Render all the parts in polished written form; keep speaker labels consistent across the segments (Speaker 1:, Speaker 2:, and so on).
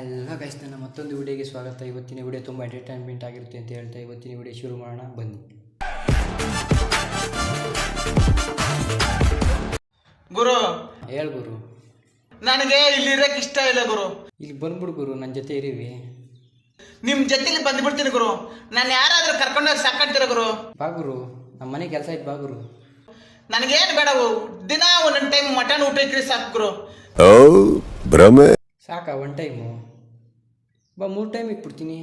Speaker 1: ಎಲ್ಲ ಗೈಸ್, ನನ್ನ ಮತ್ತೊಂದು ವಿಡಿಯೋಗೆ ಸ್ವಾಗತ. ಇವತ್ತಿನ ವಿಡಿಯೋ ತುಂಬ ಎಂಟರ್ಟೈನ್ಮೆಂಟ್ ಆಗಿರುತ್ತೆ ಅಂತ ಹೇಳ್ತಾ ಇವತ್ತಿನ ವಿಡಿಯೋ ಶುರು ಮಾಡೋಣ ಬನ್ನಿ.
Speaker 2: ಗುರು
Speaker 1: ಹೇಳು ಗುರು.
Speaker 2: ನನಗೆ ಇಲ್ಲಿರಕ್ಕೆ ಇಷ್ಟ ಇಲ್ಲ ಗುರು.
Speaker 1: ಇಲ್ಲಿ ಬಂದ್ಬಿಡು ಗುರು, ನನ್ನ ಜೊತೆ ಇರೀವಿ.
Speaker 2: ನಿಮ್ಮ ಜೊತೆಲಿ ಬಂದ್ಬಿಡ್ತೀನಿ ಗುರು. ನಾನು ಯಾರಾದರೂ ಕರ್ಕೊಂಡೋಗಿ ಸಾಕಂತೀರ ಗುರು.
Speaker 1: ಬಾ ಗುರು, ನಮ್ಮ ಮನೆ ಕೆಲಸ ಇತ್ತು, ಬಾ ಗುರು.
Speaker 2: ನನಗೇನು ಬೇಡವು, ದಿನ ಒಂದೊಂದು ಟೈಮ್ ಮಟನ್ ಊಟ ಇಕ್ಕಿ ಸಾಕು ಗುರು.
Speaker 3: ಭ್ರಮೆ
Speaker 1: ಸಾಕಾ? ಒನ್ ಟೈಮು ಬಾ, 3 ಟೈಮ್ ಇಟ್ಬಿಡ್ತೀನಿ.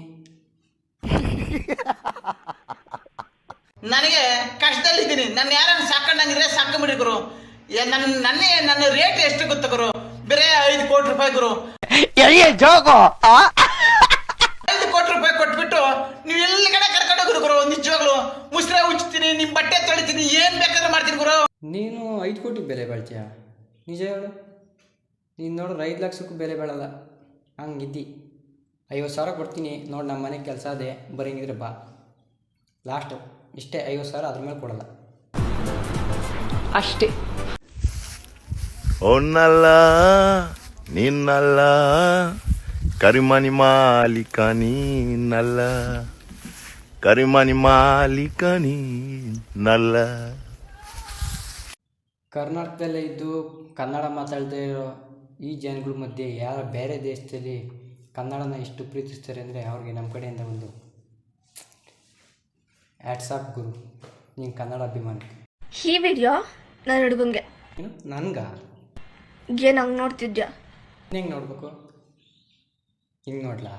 Speaker 2: ನನಗೆ ಕಷ್ಟದಲ್ಲಿದ್ದೀನಿ. ನಾನು ಯಾರನ್ನು ಸಾಕೊಂಡಂಗಿದ್ರೆ ಸಾಕೊಂಬಿಡಿ ಗುರು. ನನ್ನ ರೇಟ್ ಎಷ್ಟು ಗೊತ್ತ ಗುರು? ಬೇರೆ 5 ಕೋಟಿ ರೂಪಾಯಿ ಗುರು. 5 ಕೋಟಿ ರೂಪಾಯಿ ಕೊಟ್ಬಿಟ್ಟು ನೀವು ಎಲ್ಲಿ ಕಡೆ ಕರ್ಕೊಂಡೋಗ್ರು ಗುರು. ನಿಜವಾಗ್ಲು ಮುಸ್ರೆ ಉಚ್ತೀನಿ, ನಿಮ್ಮ ಬಟ್ಟೆ ತೊಳಿತೀನಿ, ಏನು ಬೇಕಾದ್ರೂ ಮಾಡ್ತೀನಿ ಗುರು.
Speaker 1: ನೀನು 5 ಕೋಟಿ ಬೆಲೆ ಬಾಳ್ತೀಯ? ನಿಜ ಹೇಳು. ನೀನು ನೋಡ್ರೆ 5 ಲಕ್ಷಕ್ಕೂ ಬೆಲೆ ಬಾಳಲ್ಲ, ಹಂಗಿದ್ದಿ. 50,000 ಕೊಡ್ತೀನಿ ನೋಡಿ, ನಮ್ಮ ಮನೆಗೆ ಕೆಲಸ ಅದೇ, ಬರೀಂಗಿದ್ರೆ ಬಾ. ಲಾಸ್ಟು ಇಷ್ಟೇ, 50,000, ಅದ್ರ ಮೇಲೆ ಕೊಡಲ್ಲ ಅಷ್ಟೇ.
Speaker 3: ಒನ್ನಲ್ಲ ನಿನ್ನಲ್ಲ ಕರಿಮನಿ ಮಾಲೀಕ ನೀನಲ್ಲ, ಕರಿಮನಿ ಮಾಲೀಕ ನೀನಲ್ಲ.
Speaker 1: ಕರ್ನಾಟಕದಲ್ಲೇ ಇದ್ದು ಕನ್ನಡ ಮಾತಾಡದೇ ಇರೋ ಈ ಜನಗಳ ಮಧ್ಯೆ ಯಾರು ಬೇರೆ ದೇಶದಲ್ಲಿ ಕನ್ನಡನ ಎಷ್ಟು ಪ್ರೀತಿಸ್ತಾರೆ ಅಂದರೆ ಅವ್ರಿಗೆ ನಮ್ಮ ಕಡೆಯಿಂದ ಒಂದು ಆ್ಯಟ್ಸಾಪ್ ಗುರು. ನೀನು ಕನ್ನಡ ಅಭಿಮಾನಿ.
Speaker 4: ಈ ವಿಡಿಯೋ ನನ್ನ ಹುಡುಗಂಗೆ.
Speaker 1: ಏನು ನನಗ?
Speaker 4: ಏನು ಹಂಗೆ ನೋಡ್ತಿದ್ಯಾ?
Speaker 1: ಹೆಂಗೆ ನೋಡ್ಬೇಕು? ಹಿಂಗೆ ನೋಡ್ಲಾ?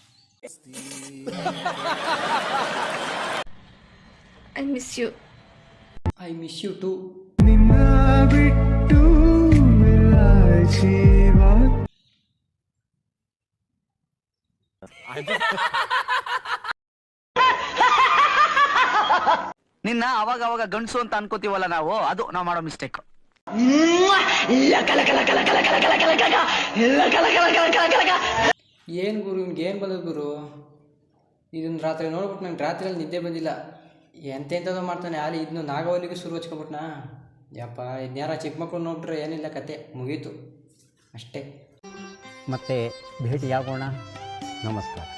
Speaker 4: I miss you.
Speaker 1: I miss you too.
Speaker 5: ನಿನ್ನ ಅವಾಗ ಅವಾಗ ಗಂಡಸು ಅಂತ ಅನ್ಕೋತೀವಲ್ಲ ನಾವು, ಅದು ನಾವು ಮಾಡೋ ಮಿಸ್ಟೇಕ್.
Speaker 1: ಏನು ಗುರು, ನಿಮ್ಗೆ ಏನು ಬಂದದ್ದು ಗುರು? ಇದನ್ನು ರಾತ್ರಿ ನೋಡ್ಬಿಟ್ಟು ನಂಗೆ ರಾತ್ರಿಯಲ್ಲಿ ನಿದ್ದೆ ಬಂದಿಲ್ಲ. ಎಂತೆಂಥದ್ದು ಮಾಡ್ತಾನೆ ಅಲ್ಲಿ. ಇದನ್ನು ನಾಗವಲ್ಲಿಗೂ ಶುರು ಹಚ್ಕೊಬಿಟ್ನಾ. ಯಪ್ಪ, ಇದನ್ಯಾರ ಚಿಕ್ಕ ಮಕ್ಕಳು ನೋಡ್ಬಿಟ್ರೆ ಏನಿಲ್ಲ, ಕತೆ ಮುಗೀತು ಅಷ್ಟೇ.
Speaker 6: ಮತ್ತೆ ಭೇಟಿಯಾಗೋಣ. ನಮಸ್ಕಾರ.